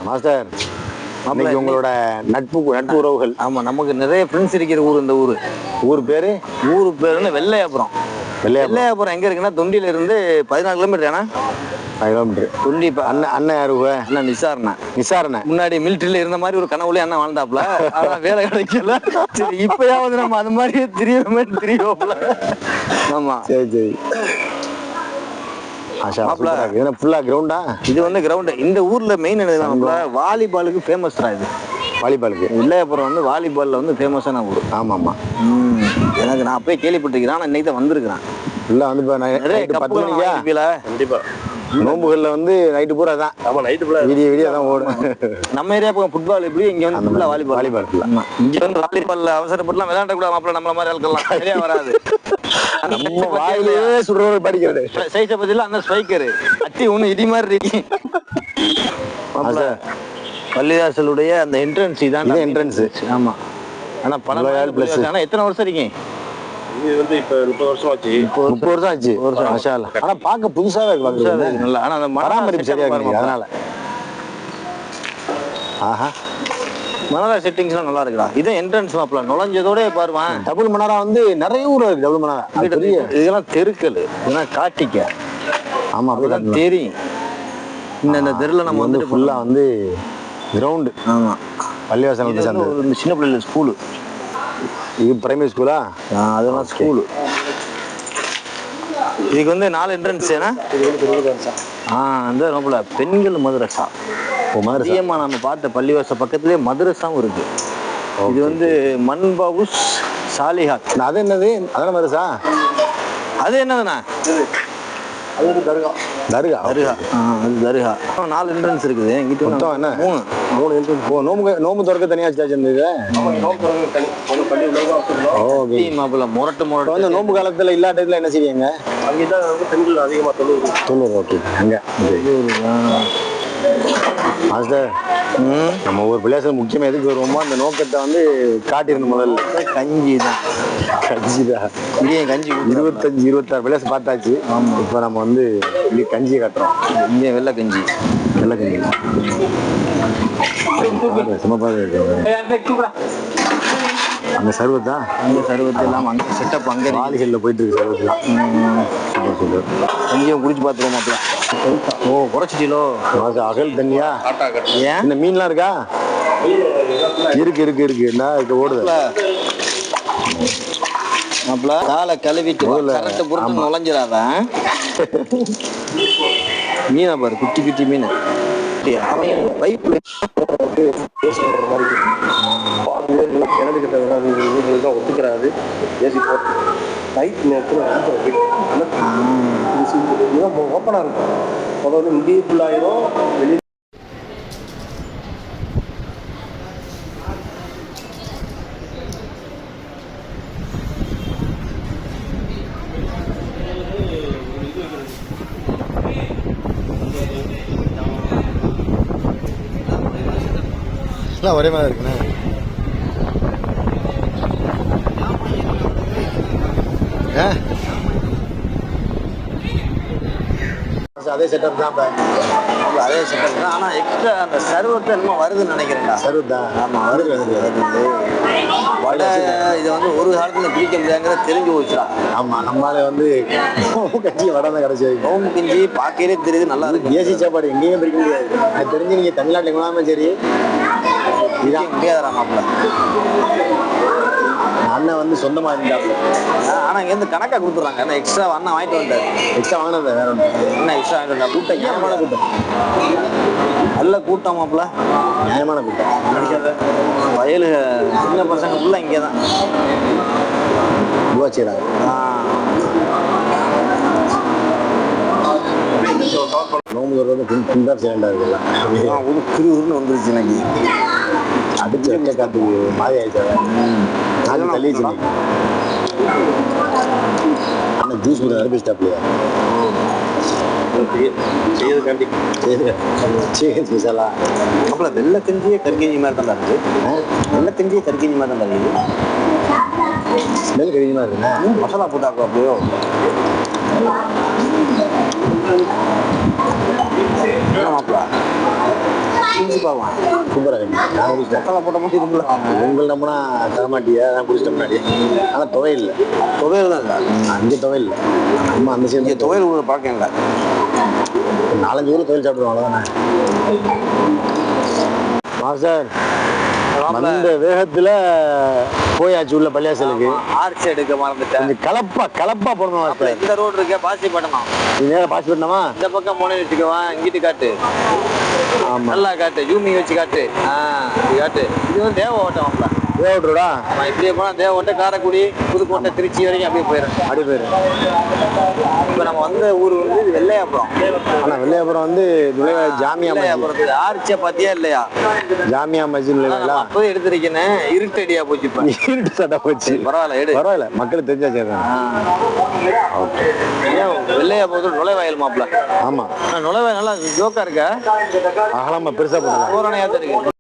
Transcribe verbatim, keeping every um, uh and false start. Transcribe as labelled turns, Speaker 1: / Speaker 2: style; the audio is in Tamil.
Speaker 1: மாஸ்டர், இன்னைக்கு உங்களோட நட்பு நட்பு உறவுகள்.
Speaker 2: ஆமா, நமக்கு நிறைய ஃப்ரெண்ட்ஸ் இருக்கிற ஊர் இந்த ஊர்.
Speaker 1: ஊர் பேரு
Speaker 2: ஊரு பேருன்னு வெள்ளையாபுரம். வெள்ளையாபுரம் எங்க இருக்குன்னா தொண்டியில இருந்து பதினாலு கிலோமீட்டர். ஏன்னா
Speaker 1: கிலோமீட்டர்
Speaker 2: தொண்டி.
Speaker 1: அண்ணன் அண்ணன் யாரு?
Speaker 2: அண்ணன் நிசாரணை.
Speaker 1: நிசாரணை
Speaker 2: முன்னாடி மிலிட்டரியில இருந்த மாதிரி ஒரு கனவுலயே அண்ணன் வாழ்ந்தாப்புல. ஆனா வேலை கிடைக்கல. சரி, இப்பயாவது நம்ம அது மாதிரியே தெரியற மாதிரி தெரியவோம்ல. ஆமா,
Speaker 1: சரி சரி. கிரவுண்டா
Speaker 2: இது வந்து கிரவுண்ட். இந்த ஊர்ல மெயின் என்ன, வாலிபாலுக்கு ஃபேமஸ் தான் இது.
Speaker 1: வாலிபாலுக்கு
Speaker 2: வெள்ளையாபுரம் வந்து வாலிபால்ல வந்து ஃபேமஸான ஊர்.
Speaker 1: ஆமா ஆமா.
Speaker 2: எனக்கு நான் அப்பயே கேள்விப்பட்டிருக்கிறேன். ஆனா இன்னைக்கு தான் வந்திருக்கிறேன்.
Speaker 1: இல்ல வந்து பத்து மணிக்கா கண்டிப்பா நோம்புகள்ல வந்து நைட்டு பூரா தான். ஆமா, நைட்டு பூரா விடிய விடிய தான் ஓடும்.
Speaker 2: நம்ம ஏரியா பக்கம் ஃபுட்பால் எப்படி, இங்க வந்து ஃபுல்லா வாலிபால்.
Speaker 1: வாலிபால்
Speaker 2: இங்க வந்து வாலிபால்ல அவசரப்பட்டுலாம் விளையாட கூட மாப்பிள்ள நம்மள மாதிரி ஆட்கள்லாம் சரியா வராது.
Speaker 1: நம்ம வாயிலேயே சுடுறவர் படிக்கிறது.
Speaker 2: சைஸை பத்தில அந்த ஸ்ட்ரைக்கர் அத்தி ஒண்ணு இடி மாதிரி இருக்கு. பள்ளிவாசலுடைய அந்த என்ட்ரன்ஸ் இதான் என்ட்ரன்ஸ். ஆமா, ஆனா பணம் பிளஸ். ஆனா எத்தனை வருஷம் இருக்கீங்க?
Speaker 1: இது வந்து இப்ப முப்பது வருஷம் ஆச்சு. முப்பது வருஷம் ஆச்சு. மாஷா அல்லாஹ். ஆனா பாக்க புதுசாவே இருக்கு.
Speaker 2: நல்லா. ஆனா அந்த
Speaker 1: பராமரிப்பு சரியா இருக்கு. அதனால ஆஹா,
Speaker 2: மனாரா செட்டிங்ஸ்லாம் நல்லா இருக்குடா. இது என்ட்ரன்ஸ் மாப்ள நுழைஞ்சதோட பாருமா.
Speaker 1: டபுள் மனாரா வந்து நிறைய ஊர் இருக்கு. டபுள் மனாரா
Speaker 2: இதெல்லாம் தெருக்கள், இதெல்லாம் காட்டிக்க.
Speaker 1: ஆமா, அப்படிதான்
Speaker 2: தெரியும். இந்த தெருல நம்ம வந்து
Speaker 1: ஃபுல்லா வந்து கிரவுண்ட்.
Speaker 2: ஆமா,
Speaker 1: பள்ளிவாசல்
Speaker 2: சேர்ந்து சின்ன பிள்ளைல ஸ்கூலு.
Speaker 1: இது பிரைமரி ஸ்கூலா?
Speaker 2: அதெல்லாம் ஸ்கூலு. இதுக்கு வந்து நாலு என்ட்ரன்ஸ். ஏன்னா ஆஹ் அந்த நோபுல பெண்கள் மதரசா. மதியமா நம்ம பார்த்த பள்ளிவாசல் பக்கத்துலயே மதரசாவும் இருக்கு. இது வந்து மன்பவுஸ் சாலிஹாத்.
Speaker 1: அது என்னது? அதான மதரசா?
Speaker 2: அது என்னதுண்ணா?
Speaker 1: அது வந்து தர்கா. தர்கா
Speaker 2: தர்கா. அது தர்கா. நாலு என்ட்ரன்ஸ் இருக்குது. எங்கிட்ட
Speaker 1: மொத்தம் என்ன?
Speaker 2: மூணு
Speaker 1: மூணு என்ட்ரன்ஸ். ஓ, நோம்பு நோம்பு திறக்க தனியா சார்ஜ் இருந்தது. ஓகே
Speaker 2: மாப்பிள்ள. முரட்டு முரட்டு
Speaker 1: வந்து நோம்பு காலத்துல எல்லா டைம்ல என்ன செய்வீங்க? அங்கதான் வந்து பெண்கள் அதிகமா தொண்ணூறு தொண்ணூறு ஓகே. அங்க மாஸ்டர், நம்ம ஒரு பிள்ளையாசல் முக்கியமா எதுக்கு வருவோமோ அந்த நோக்கத்தை வந்து காட்டியிருந்த முதல்ல
Speaker 2: கஞ்சி தான்.
Speaker 1: கஞ்சி தான்.
Speaker 2: இங்கேயும் கஞ்சி
Speaker 1: இருபத்தஞ்சு இருபத்தாறு பிள்ளையாசம் பார்த்தாச்சு. ஆமா, இப்போ நம்ம வந்து இங்கே கஞ்சியை காட்டுறோம்.
Speaker 2: இங்கே வெள்ளை கஞ்சி.
Speaker 1: வெள்ளை கஞ்சி சும்மா இருக்கு. அந்த சர்வத்தா
Speaker 2: அந்த சர்வத்தை எல்லாம் அங்கே செட்டப் அங்கே
Speaker 1: வாலிகளில் போயிட்டு இருக்கு. சர்வத்தெல்லாம் சூப்பர்.
Speaker 2: கஞ்சியும் குடிச்சு பார்த்துருவோம் மாப்பிள்ள. ஓ, குறைச்சிட்டீங்களோ?
Speaker 1: அகல் தண்ணியா?
Speaker 2: ஏன்
Speaker 1: இந்த மீன்லாம் இருக்கா? இருக்கு இருக்கு இருக்கு. என்ன இருக்கு ஓடுது
Speaker 2: மாப்பிள்ள. காலை கழுவிட்டு கரெக்ட் பொறுத்து நுழைஞ்சிடாத. மீனை பாரு, குட்டி குட்டி மீன். பைப்ல
Speaker 1: ஒத்துக்கிறாரு. ஏசி போட்டு நைட் நேரத்தில் ஓப்பனாக இருக்கும். அதை வந்து இங்கேயும் ஃபுல்லாயிரும். வெளியே ஒரே மாதிரி இருக்குண்ணே. அதே செட்டப் தான்.
Speaker 2: அதே செட்டப் தான். ஆனால் எக்ஸ்ட்ரா அந்த சர்வத்தை என்னமோ வருதுன்னு நினைக்கிறேன்டா.
Speaker 1: சர்வத் தான். ஆமாம், வருது வருது வருது.
Speaker 2: வடை இதை வந்து ஒரு காலத்தில் பிடிக்க முடியாதுங்கிறத தெரிஞ்சு போச்சுடா.
Speaker 1: ஆமாம், நம்மளால வந்து கஞ்சி வடை தான் கிடச்சி.
Speaker 2: நோம்பு கஞ்சி பார்க்கவே தெரியுது, நல்லா இருக்கு.
Speaker 1: ஏசி சாப்பாடு எங்கேயும் பிடிக்க முடியாது. அது தெரிஞ்சு நீங்கள் தமிழ்நாட்டில் எங்கேனாலும் சரி
Speaker 2: இதான் முடியாதுடா மாப்பிள்ள.
Speaker 1: அண்ணன் வந்து சொந்தமா இருந்தாப்புல.
Speaker 2: ஆனா இங்க இருந்து கணக்கா கொடுத்துறாங்க. என்ன எக்ஸ்ட்ரா அண்ணன் வாங்கிட்டு வந்தாரு.
Speaker 1: எக்ஸ்ட்ரா வாங்கினது வேற ஒன்று.
Speaker 2: என்ன எக்ஸ்ட்ரா வாங்கிட்டு வந்தா? கூட்டம் நியாயமான கூட்டம். நல்ல கூட்டம் மாப்பிள்ள.
Speaker 1: நியாயமான கூட்டம்.
Speaker 2: வயலு சின்ன பசங்க ஃபுல்லா இங்கே தான்
Speaker 1: துவா செய்றாங்க. நோம்பு வருவது பின்தான் சேலண்டா இருக்குல்ல.
Speaker 2: ஒரு குருன்னு வந்துருச்சு எனக்கு.
Speaker 1: அடிச்சு வச்ச காத்துக்கு மாறி ஆயிடுச்சு. நாலு தள்ளிச்சு. அண்ணன் ஜூஸ் கூட ஆரம்பிச்சிட்டாப்லையா? செய்யறதுக்காண்டி சரி ஸ்பெஷலா.
Speaker 2: அப்புறம் வெள்ளை கஞ்சியே கற்கஞ்சி மாதிரி தான் இருக்குது. வெள்ளை கஞ்சியே கற்கஞ்சி மாதிரி தான் இருக்குது.
Speaker 1: ஸ்மெல் கறிமா இருக்குண்ணே.
Speaker 2: மசாலா போட்டாக்கோ அப்படியோ. மாப்பிளா குடிச்சு பார்க்கலாம்.
Speaker 1: சூப்பராக இருக்கு. நான் குடிச்சிட்டேன்.
Speaker 2: மசாலா போட்ட மாதிரி இருக்குல்ல.
Speaker 1: உங்கள் நம்பினா தரமாட்டியா? நான் குடிச்சிட்ட முன்னாடி. ஆனால் துவையல் இல்லை.
Speaker 2: துவையல் தான் இல்லை.
Speaker 1: அங்கே துவையல் இல்லை. நம்ம அந்த சைடு
Speaker 2: துவையல் ஒரு பழக்கம் இல்லை.
Speaker 1: நாலஞ்சு ஊர் துவையல் சாப்பிடுவோம் அவ்வளோதானே. மாஸ்டர் அந்த வேகத்துல போயாச்சு உள்ள பள்ளியாசலுக்கு.
Speaker 2: ஆர்ச்சி எடுக்க மறந்துட்டேன்.
Speaker 1: கொஞ்சம் கலப்பா கலப்பா போடணும் மாஸ்டர்.
Speaker 2: இந்த ரோடு இருக்க பாசி பட்டணும்.
Speaker 1: நீ நேரம் பாசி பண்ணமா?
Speaker 2: இந்த பக்கம் போனே வச்சுக்குவான். இங்கிட்டு காட்டு.
Speaker 1: ஆமா
Speaker 2: நல்லா காட்டு. ஜூமிங் வச்சு காட்டு. ஆஹ் இது காட்டு. இது வந்து தேவ ஓட்டம்.
Speaker 1: தேவட்ரோடா
Speaker 2: இப்படியே போனா தேவக்கோட்டை, காரைக்குடி, புதுக்கோட்டை, திருச்சி வரைக்கும் அப்படியே போயிடும்.
Speaker 1: அப்படி போயிடும்.
Speaker 2: இப்போ நம்ம வந்த ஊர் வந்து இது வெள்ளையாபுரம்.
Speaker 1: ஆனா வெள்ளையாபுரம் வந்து நுழைவா ஜாமியா
Speaker 2: வெள்ளையாபுரத்துக்கு ஆர்ச்சியா பாத்தியா இல்லையா?
Speaker 1: ஜாமியா மஸ்ஜித் நுழைவாங்களா?
Speaker 2: அப்போது எடுத்திருக்கேன். இருட்டடியா போச்சு. இப்போ
Speaker 1: இருட்டு சட்டை போச்சு.
Speaker 2: பரவாயில்ல எடு.
Speaker 1: பரவாயில்ல மக்களுக்கு தெரிஞ்சா சேர்றாங்க.
Speaker 2: வெள்ளையாபுரத்துல நுழைவாயில் மாப்பிள்ள.
Speaker 1: ஆமா
Speaker 2: நுழைவாயில் நல்லா ஜோக்கா இருக்க.
Speaker 1: அகலமா பெருசா போடுறாங்க.
Speaker 2: பூரணையா தான் இருக்கு.